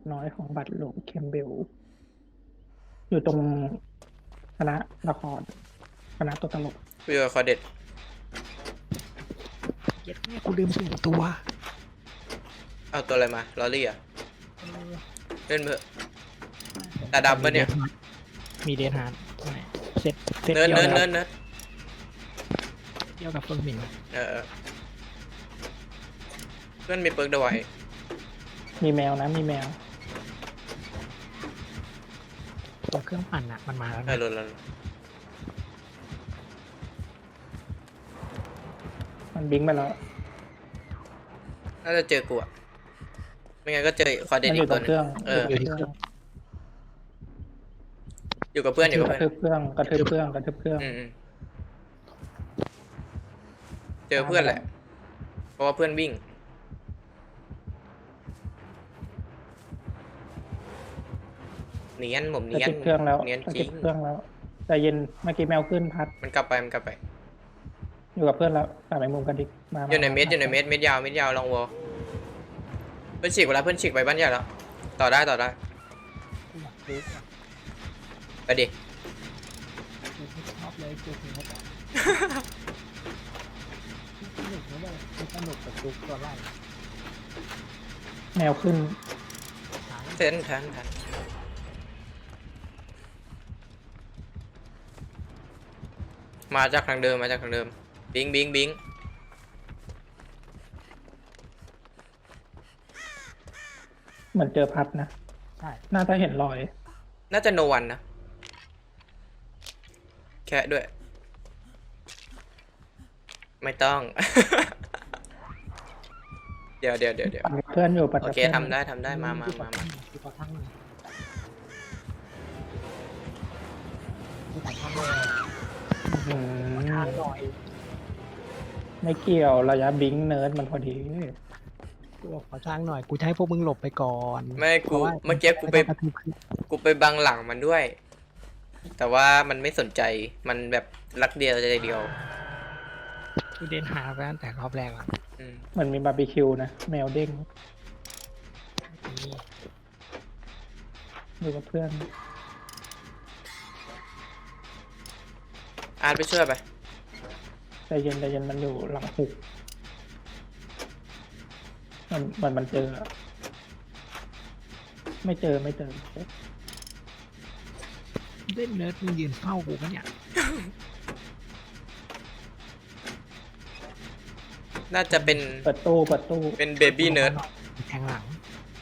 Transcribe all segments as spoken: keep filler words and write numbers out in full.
น้อยของบัตรหลวงเคมเบล อยู่ตรงคณะละครคณะตัวตลกคุยกับคอเด็ดเย็ดแม่กูลืมสุ่มตัวเอาตัวอะไรมาลอรี่อ่ะเออเล่นเถอะตาดำปะเนี่ยมีเดนฮาร์ดเซตเซตเนิร์ดเดียวเนิร์ดกับเนิร์ดเนิร์ดเดียวกับเฟิร์นหมินเออเออเพื่อนมีเปิร์กเดอะไวท์มีแมวนะมีแมวตัวเครื่องปั่นอะมันมาแล้วเออนะหลุดแล้วมันบิงไปแล้วน่าจะเจอกูอ่ะไม่งั้นก็เจอคอเด็ดมันออียู่กตตัรวงหนึเครื่องเอออยู่ที่เครื่องอยู่กับเพื่อนอยู่กับกระเพื่อนทืบเครื่องกระทืบเครื่องกระทืบเครื่องอืมอืมเจอเพื่อนแหละ เพราะว่าเพื่อนวิ่งเนียนผมกระเนียนทืบเครื่องแล้วเนียนกระจริทืงบเครื่องแล้วแต่เย็นเมื่อกี้แมวขึ้นพัดมันกลับไปมันกลับไปอยู่กับเพื่อนแล้วกลับไปมุมกันดิมาอยู่ในเม็ดอยู่ในเม็ดเม็ดยาวเม็ดยาวลองวอลเพื่อนฉีกไปแล้วเพื่อนฉีกไปบ้านใหญ่แล้วต่อได้ต่อได้กูอยากรู้อะไปดิกูไม่ชอบเลยกูถึงเขาบอกสนุกนะเว้ยมันสนุกกับจุกตัวไล่แมวขึ้นหายเซนทันทันมาจากทางเดิมมาจากทางเดิมบิงบิงบิงเหมือนเจอพัดนะใช่น่าจะเห็นรอยน่าจะโนวันนะแค่ด้วย ไม่ต้อง เดี๋ยวเดี๋ยวเดี๋ยวเดี๋ยวปั่นกับเพื่อนอยู่ปั่นโอกับเคเพื่อนทำได้ทำได้มามามามากูขอทั้งหนึ่งกูขอทั้งเลยอืมทางหน่อยไม่เกี่ยวระยะบิงเนิร์ดมันพอดีกูขอทางหน่อยกูจะให้พวกมึงหลบไปก่อนไม่กูพราะว่าเมื่อกี้กูไปม่ต้องกระทืบขึ้นกูไปบังหลังมันด้วย แต่ว่ามันไม่สนใจมันแบบรักเดียวใจเดียวกูเดินหาไปตั้งแต่รอบแรกแล้วอืมเหมือนมีบาร์บีคิวนะแมวเด้งนี่อยู่กับเพื่อนอาร์ตไปช่วยไปใจเย็นใจเย็นมันอยู่หลังหุกมันมันมันเจออะไม่เจอไม่เจอเล่นเนิร์ดมึงยืนเฝ้ากูปะเนี่ยน่าจะเป็นเปิดตู้เปิดตู้เป็นเบบี้เนิร์ดแทงหลัง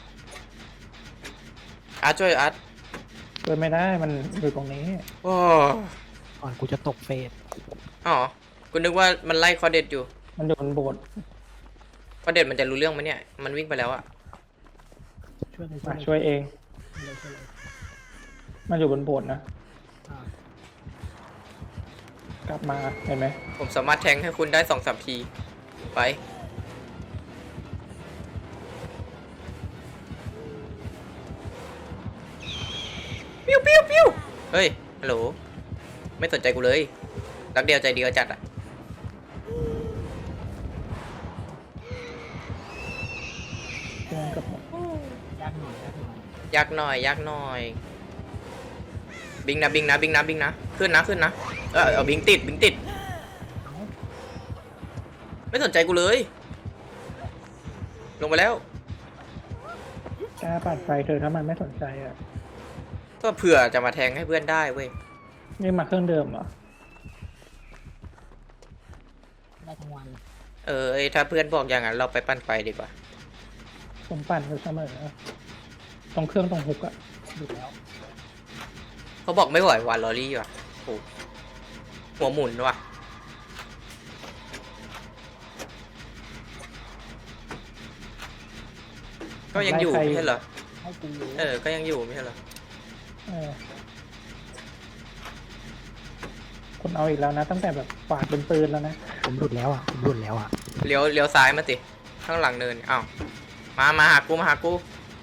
อาร์ตช่วยอาร์ตเปิดไม่ได้มันอยู่ตรงนี้โอ้ก่อนกูจะตกเฟสอ๋อกูนึกว่ามันไล่คอเด็ดอยู่มันอยู่บนโบสถ์คอเด็ดมันจะรู้เรื่องไหมเนี่ยมันวิ่งไปแล้วอะช่วยเลยมาช่ช่วยวยเองเลยช่วยเลยมันอยู่บนโบสถ์นะอ่ากลับมาเห็นไหมผมสามารถแทงให้คุณได้สองสามทีไปปิ้วปิ้วปิ้วเฮ้ยฮัลโหลไม่สนใจกูเลยรักเดียวใจเดียวจัดอะเพื่อนกับยากหน่อยยากหน่อยยากหน่อยยากหน่อย บิงนะบิงนะบิงนะบิงนะขึ้นนะขึ้นนะเออเอาบิงติดบิงติดเอ้าไม่สนใจกูเลย ลงไปแล้วกล้าปัดไฟเธอถ้ามันไม่สนใจอ่ะก็เผื่อจะมาแทงให้เพื่อนได้เว้ยนี่มาเครื่องเดิมเหรอได้ทั้งวันเออไอ้ถ้าเพื่อนบอกอย่างนั้นเราไปปั้นไฟดีกว่าผมปั่นอยู่เสมอตรงเครื่องตรงฮุกอ่ะหยุดแล้วเขาบอกไม่ไหววานลอรี่ว่ะโอ้หัวหมุนว่ะก็ยังอยู่ไม่ใช่เหรอให้กูเออ ก็ยังอยู่ไม่ใช่เหรอเออคนเอาอีกแล้วนะ ตั้งแต่แบบฝาดเป็นปืนแล้วนะผมหลุดแล้วอ่ะผมหลุดแล้วอ่ะเลี้ยวเลี้ยวซ้ายมาสิข้างหลังเนินอ้าวมามาหากูมาหากู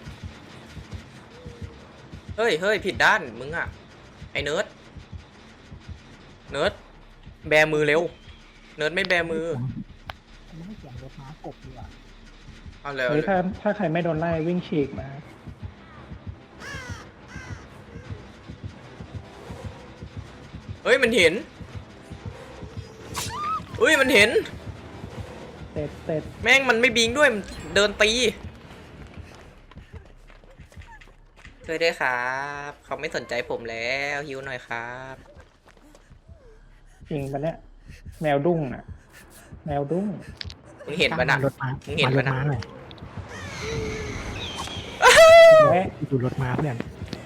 เฮ้ยเฮ้ยผิดด้านมึงอะไอ้เนิร์ดเนิร์ดแบมือเร็วเนิร์ดไม่แบมือไม่ให้เสียงรถม้ากบดีกว่าเอาเร็วหรือถ้าถ้าใครไม่โดนไล่วิ่งฉีกมาเฮ้ยมันเห็นเฮ้ยมันเห็นเสร็จเสร็จแม่งมันไม่บิงด้วยมันเดินตีช่วยด้วยครับเขาไม่สนใจผมแล้วฮิวหน่อยครับจริงปะเนี่ยแมวดุ้งอ่ะ แมวดุ้งมึงเห็นปะนะรถม้ามึงเห็นปะนะมารถม้าหน่อยแม่ดูรถม้าเพื่อน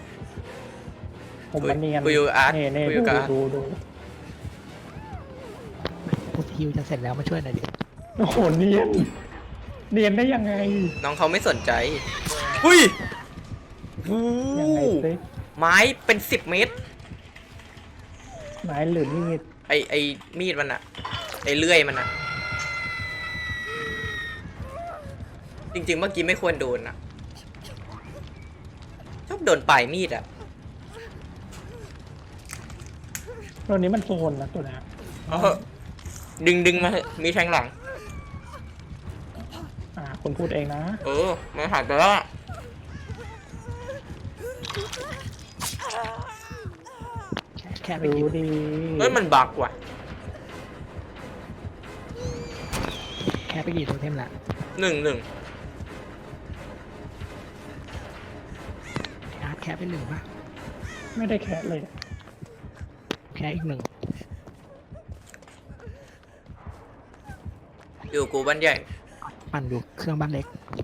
ผมมันเนียนกูอยู่อาร์ตเน่เน่กูอดูยู่กับอาร์ตดูดูกูฮิวจะเสร็จแล้วมาช่วยหน่อยดิโอ้โหเนียนเนียนได้ยังไงน้องเขาไม่สนใจหุ้ยวู้ยังไงสิไม้เป็นสิบเมตรไม้หรือมีดไอไอมีดมันอะไอเลื่อยมันอะจริงๆเมื่อกี้ไม่ควรโดนอะชอบโดนปลายมีดอะตัวนี้มันโซนนะตัวเนี้ยเออดึงดึงมาเถอะมีแทงหลังอ่าคุณพูดเองนะเออมันหายไปแล้วแค่แค่ไปดูฮิวดีเฮ้ยมันบักว่ะแค่ไปกี่โทเทมละหนึ่งหนึ่งอาร์ตแค่ไปหนึ่งปะไม่ได้แคะเลยแค่อีกหนึ่งอยู่กูบ้านใหญ่ปั่นอยู่เครื่องบ้านเล็ก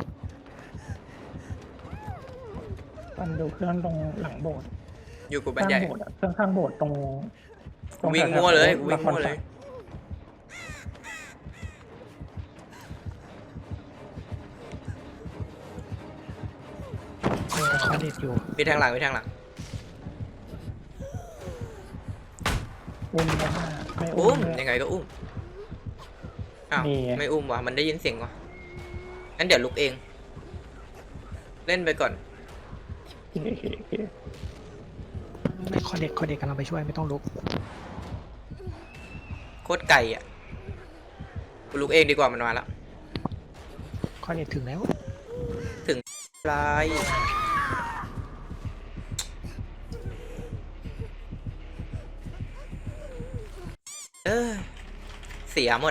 มันดูเครื่องตรงหลังโบสถ์อยู่กูบ้าข้าน งใหญ่โบสถ์อะเครื่องข้างโบสถ์ตรงตรงวิ่งแถๆมั่วเลยละวิ่งครมั่วเลยมีคอนเด็ดอยู่มีแทงหลังมีแทงหลังอุ้มนะไม่อุ้อุ้มมเลยยังไงก็อุ้มอ้าวนี่ไงไม่อุ้มว่ะมันได้ยินเสียงว่ะงั้นเดี๋ยวลุกเอง เล่นไปก่อนโอเคโอเคโอเคไม่คอนเด็ดคอนเด็ดกำลังไปช่วยไม่ต้องลุกโคตรไก่อ่ะกูลุกเองดีกว่ามันมาแล้วคอนเด็ดถึงแล้วลายเออเสียหมด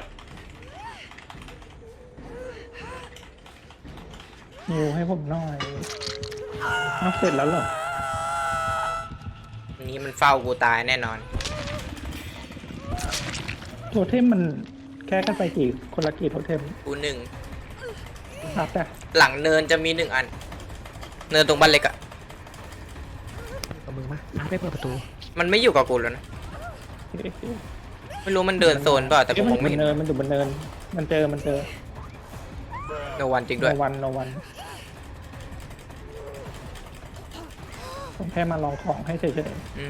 นิวให้ผมหน่อยเอาเสร็จแล้วเหรออันนี้มันเฝ้ากูตายแน่นอนโทเทมมันแค่กันไปกี่คนละกี่โทเทมกูหนึ่งครับแต่หลังเนินจะมีหนึ่งอัน เนินตรงบ้านเล็กอะกับมือมาอาร์ตไปเปิดประตูมันมันไม่อยู่กับกูแล้วนะโอเคโอเคไม่รู้มันเดินโซนเปล่าแต่กูเอ้ยมองมัไม่นเห็นเนินมันอยู่บนเนิน มันเจอมันเจอโนวันจริงโนด้วยวันโนวันผมแค่มาลองของให้เฉยอืม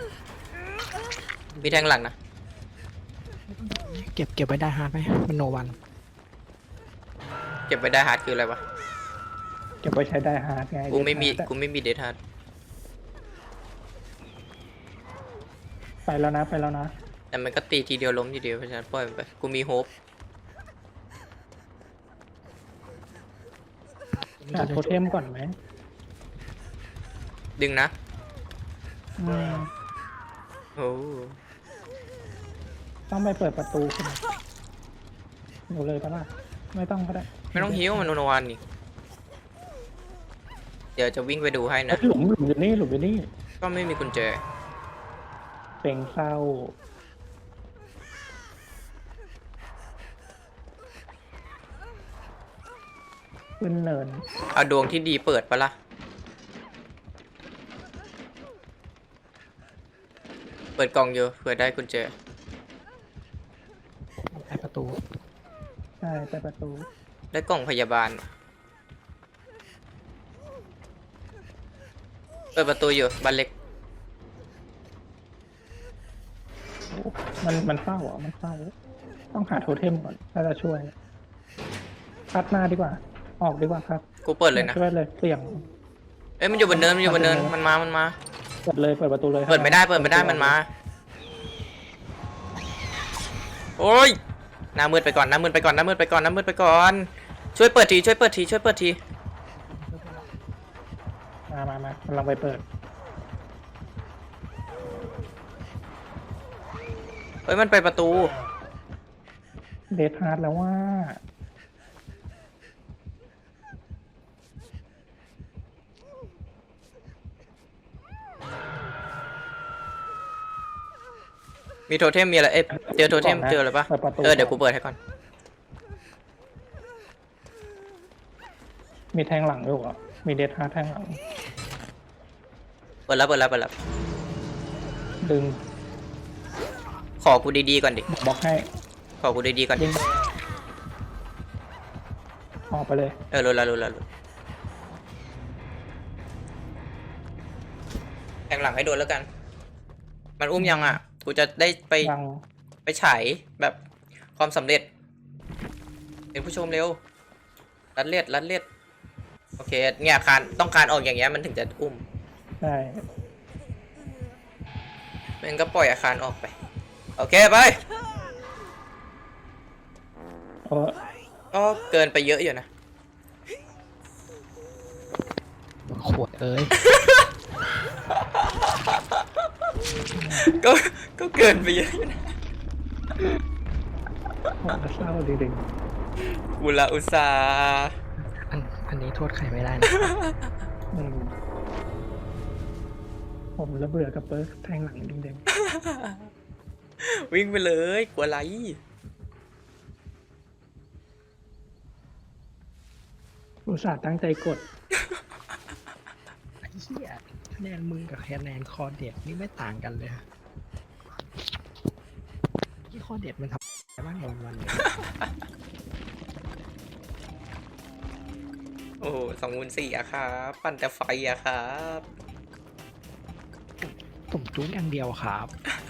มีแทงหลังนะเก็บเก็บไว้ได้ฮาร์ดไหมมันโนวันเก็บไปได้ฮาร์ดคืออะไรวะๆเก็บไว้ใช้ได้ฮาร์ดไงกูไม่มีเดทฮาร์ดกูไม่มีเดทฮาร์ดไปแล้วนะไปแล้วนะแต่มันก็ตีทีเดียวล้มทีเดียวเพราะฉะนั้นปล่อยมันไป กูมีโฮปหาโทเทมก่อนไหมดึงนะอืมโอ้ต้องไปเปิดประตูใช่ไหมหนูเลยปะล่ะไม่ต้องก็ได้ไม่ต้องฮิ้วมันโนวันนี่เดี๋ยวจะวิ่งไปดูให้เอ้นะยหลุมหลุมอยู่นี่หลุมอยู่นี่ก็ไม่มีกุญแจเป็นเศร้าขึ้นเนินเอาดวงที่ดีเปิดปะล่ะ เปิดกล่องอยู่เผื่อได้กุญแจไปประตูใช่ไปประตูได้กล่องพยาบาล เปิดประตูอยู่บ้านเล็กโอ้มันมันเศร้าอ่ะมันเศร้าต้องหาโทเทมก่อนถ้าจะช่วยคัดหน้าดีกว่า ออกดีกว่าครับกูเปิดเลยนะช่วยเลยเสี่ยงเอ้ยมันอยู่บนเนินมันอยู่บนเนินมันมา มันมาเปิดเลยเปิดประตูเลยเปิดไม่ได้เปิดไม่ได้มันมา โอ้ยหน้ามืดไปก่อนหน้ามืดไปก่อนหน้ามืดไปก่อนหน้ามืดไปก่อน ช่วยเปิดทีช่วยเปิดทีช่วยเปิดทีมามามากำลังไปเปิดเฮ้ยมันไปประตูเดทฮาร์ดแล้วว่ามีโทเทมมีอะไรเอ๊ะเจอโทเทมเจออะไรปะปิดประตูเออเดี๋ยวกูเปิดให้ก่อนมีแทงหลังด้วยเหรอมีเดทฮาร์ดแทงหลังเปิดแล้วเปิดแล้วเปิดแล้วดึงขอกูดีๆก่อนดิบล็อกให้ขอกูดีๆก่อนยิงออกไปเลยเออรู้แล้วรู้แล้วรู้แทงหลังให้โดนแล้วกัน มันอุ้มยังอ่ะ กูจะได้ไปยังไปฉายแบบความสำเร็จ เป็นผู้ชมเร็ว รัดเลียดรัดเลียดโอเค เนี่ยคานต้องการออกอย่างเงี้ยมันถึงจะอุ้มใช่มันก็ปล่อยอาคารออกไป โอเคไปเออก็เกินไปเยอะอยู่นะขวดเอ้ยก็ก็เกินไปเยอะอยู่นะโหเศร้าจริงอุลาอุตสาห์อันอันนี้โทษใครไม่ได้นะๆอืมผมระเบื่อกับเปิร์กแทงหลังจริงวิ่งไปเลยกลัวอะไรๆอุตส่าห์ตั้งใจกดไอ้เหี้ยคะแนนมึงกับคะแนนคอเด็ดนี่ไม่ต่างกันเลยที่คอเด็ดมันทำอะไรบ้างในวันเนี่ยโอ้สองมูลสี่อะครับ ปั่นแต่ไฟอะครับผมจุ้งอย่างเดียวครับ